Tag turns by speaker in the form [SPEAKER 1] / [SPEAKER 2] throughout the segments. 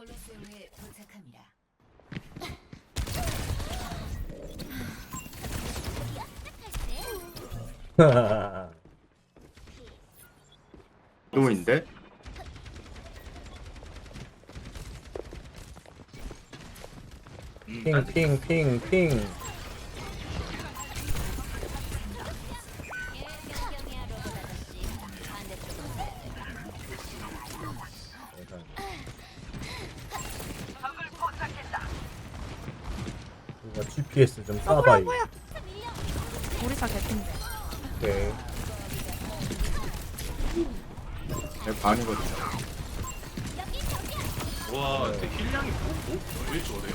[SPEAKER 1] 콜로세움에 도착합니다.
[SPEAKER 2] 루인데?
[SPEAKER 3] 핑. 이거 GPS 좀 쏴봐.
[SPEAKER 4] 뭐야? 우리사 개핀데.
[SPEAKER 3] 오케이.
[SPEAKER 2] 내 반이거든요.
[SPEAKER 5] 와, 근데 힐량이 왜 저래요?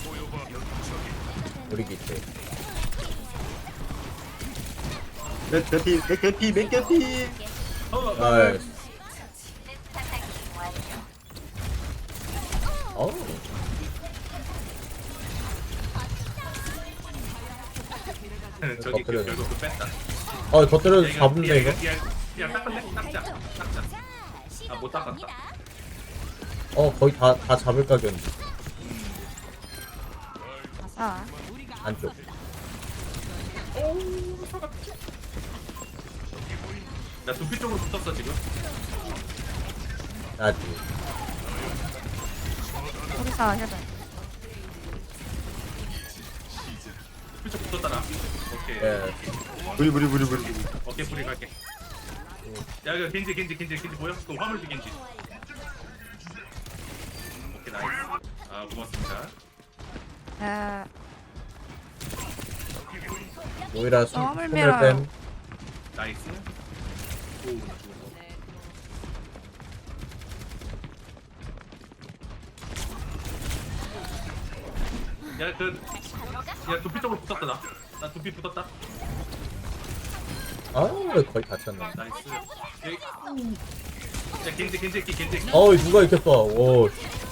[SPEAKER 3] 우리 기체.
[SPEAKER 2] 몇 개피.
[SPEAKER 3] 나이스. 어우.
[SPEAKER 5] 저기
[SPEAKER 3] 그래.
[SPEAKER 5] 결국 그 뺐다.
[SPEAKER 3] 더 때려도 잡은데 이거?
[SPEAKER 5] 야, 닦았네? 닦자. 아, 못 닦았다.
[SPEAKER 3] 거의 다 잡을 각이었는데.
[SPEAKER 4] 아싸.
[SPEAKER 3] 안쪽.
[SPEAKER 5] 나 두피 쪽으로 붙었어, 지금.
[SPEAKER 3] 나지.
[SPEAKER 4] 우리사 해봐.
[SPEAKER 5] 두피 쪽 붙었다, 나. 오케이.
[SPEAKER 3] 예.
[SPEAKER 2] 부리.
[SPEAKER 5] 오케이, 불이 갈게. 야, 이거 겐지 보여? 그 화물도 겐지. 오케이, 나이스. 아, 고맙습니다.
[SPEAKER 3] 모이라
[SPEAKER 4] 너무
[SPEAKER 3] 손을
[SPEAKER 4] 밀어요.
[SPEAKER 3] 뺀.
[SPEAKER 5] 나이스. 오, 나 죽었어. 야, 두피 쪽으로 붙었다, 나. 나 두피 붙었다.
[SPEAKER 3] 거의 다쳤네.
[SPEAKER 5] 나이스. 여기. 야, 겐지 했기.
[SPEAKER 3] 누가 이렇게 쏴? 오.
[SPEAKER 5] 야,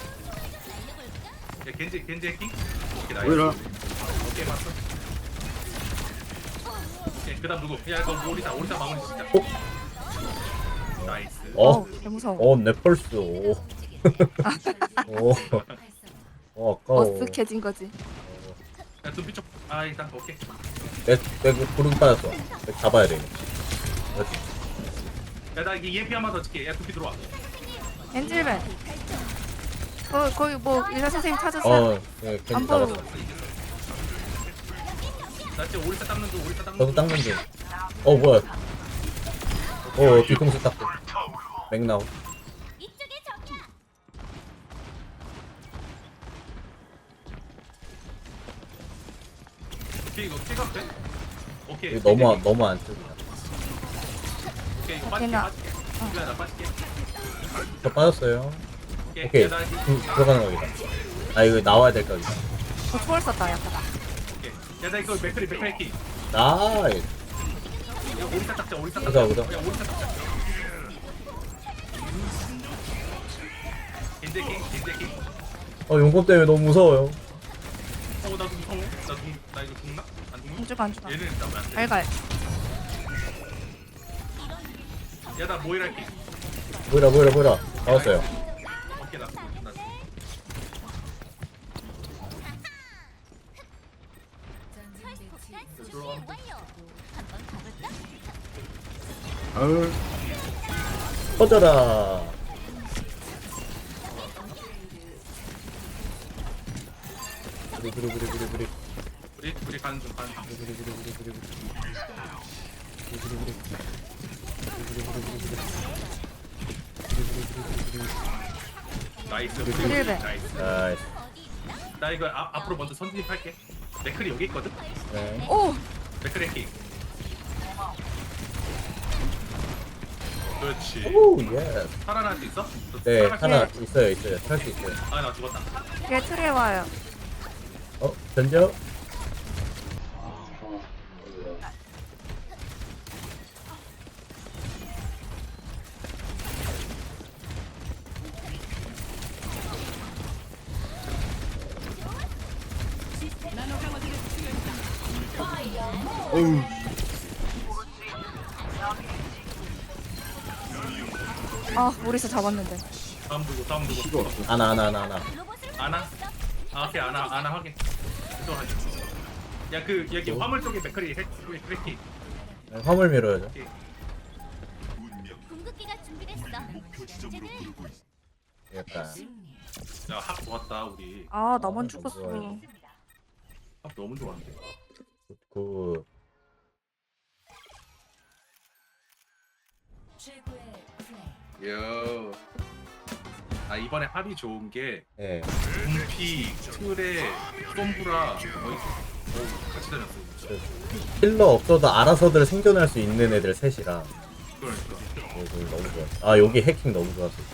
[SPEAKER 5] 겐지 했기. 오케이, 나이스.
[SPEAKER 2] 뭐야?
[SPEAKER 5] 오케이, 맞어. 오케이, 그 다음 누구? 야, 이거 오리사 마무리 진짜. 나이스.
[SPEAKER 4] 개 무서워.
[SPEAKER 3] 내 펄스. 오. 아까워.
[SPEAKER 4] 어쓱해진 거지.
[SPEAKER 5] 야, 두피 쪽. 아, 일단, 오케이.
[SPEAKER 3] 내 구름 빠졌어. 내 잡아야 돼. 그렇지.
[SPEAKER 5] 야, 나 이게 EMP 한번 더 찍게. 야, 두피 들어와.
[SPEAKER 4] 엔질벤. 거기 뭐 의사 선생님 찾았어.
[SPEAKER 3] 예, 괜히
[SPEAKER 4] 안 보여.
[SPEAKER 3] 잡았어.
[SPEAKER 5] 나 지금 오리사 닦는 중.
[SPEAKER 3] 저도 닦는 중. 뭐야? 뒤통수 닦고. 맥나우.
[SPEAKER 5] 두피 이거 픽업 돼? 오케이.
[SPEAKER 3] 이거 너무 안 쓰기다.
[SPEAKER 5] 오케이, 이거
[SPEAKER 4] 오케이, 나-
[SPEAKER 5] 빠질게. 나 빠질게.
[SPEAKER 3] 저 빠졌어요. 오케이.
[SPEAKER 5] 야, 나 이거.
[SPEAKER 3] 들어가는 각이다. 이거 나와야 될 각이다.
[SPEAKER 4] 초월 썼다 약간.
[SPEAKER 5] 오케이. 야, 나 이거 맥크리 키.
[SPEAKER 3] 나이스.
[SPEAKER 5] 야, 오리사 닦자.
[SPEAKER 3] 보자.
[SPEAKER 5] 야, 오리사 닦자. 겐지.
[SPEAKER 3] 용검 때문에 너무 무서워요.
[SPEAKER 5] 나도 무서워. 나 이거 죽나? 안 죽나?
[SPEAKER 4] 안 죽어.
[SPEAKER 5] 얘는 일단 왜안 돼?
[SPEAKER 4] 알갈.
[SPEAKER 5] 야, 나 모이라 할게.
[SPEAKER 3] 보이라. 나왔어요.
[SPEAKER 5] 오케이, 나 죽어. 들어와.
[SPEAKER 2] 아유,
[SPEAKER 3] 터져라. 부리.
[SPEAKER 5] 우리 가는 중. 나이스.
[SPEAKER 4] 드릴배.
[SPEAKER 5] 나이스.
[SPEAKER 3] 나이스.
[SPEAKER 5] 나 이거 앞으로 먼저 선진입할게. 맥클이 여기 있거든.
[SPEAKER 3] 네.
[SPEAKER 4] 오.
[SPEAKER 5] 맥클 해킹. 그렇지.
[SPEAKER 3] 오, 예.
[SPEAKER 5] 살아날 수 있어?
[SPEAKER 3] 네,
[SPEAKER 5] 살아갈 수
[SPEAKER 3] 하나
[SPEAKER 5] 있어?
[SPEAKER 3] 있어요. 탈 수 있어요.
[SPEAKER 5] 아, 나 죽었다.
[SPEAKER 4] 걔 틀에 와요.
[SPEAKER 3] 던져.
[SPEAKER 2] 어우,
[SPEAKER 4] 아 우리서 잡았는데.
[SPEAKER 5] 다음 누구 다음
[SPEAKER 2] 피가
[SPEAKER 5] 누구
[SPEAKER 2] 없어.
[SPEAKER 3] 아나.
[SPEAKER 5] 아나? 아 오케이 아나 확인 또 하지 야그 여기 화물 쪽에 맥커리 해키
[SPEAKER 3] 화물 밀어야죠.
[SPEAKER 1] 궁극기가 준비됐어. 이제는
[SPEAKER 3] 약간
[SPEAKER 5] 야합 좋았다 우리
[SPEAKER 4] 아 나만
[SPEAKER 3] 아,
[SPEAKER 4] 죽었어.
[SPEAKER 3] 좋아요.
[SPEAKER 5] 합 너무 좋았는데
[SPEAKER 3] 그
[SPEAKER 5] 요. 아 이번에 합이 좋은 게
[SPEAKER 3] 예.
[SPEAKER 5] 분피, 틀에, 솜브라 거의 같이 다녔어.
[SPEAKER 3] 힐러 없어도 알아서들 생존할 수 있는 애들 셋이라
[SPEAKER 5] 그러니까
[SPEAKER 3] 여기 너무 좋았어. 아 여기 해킹 너무 좋았어.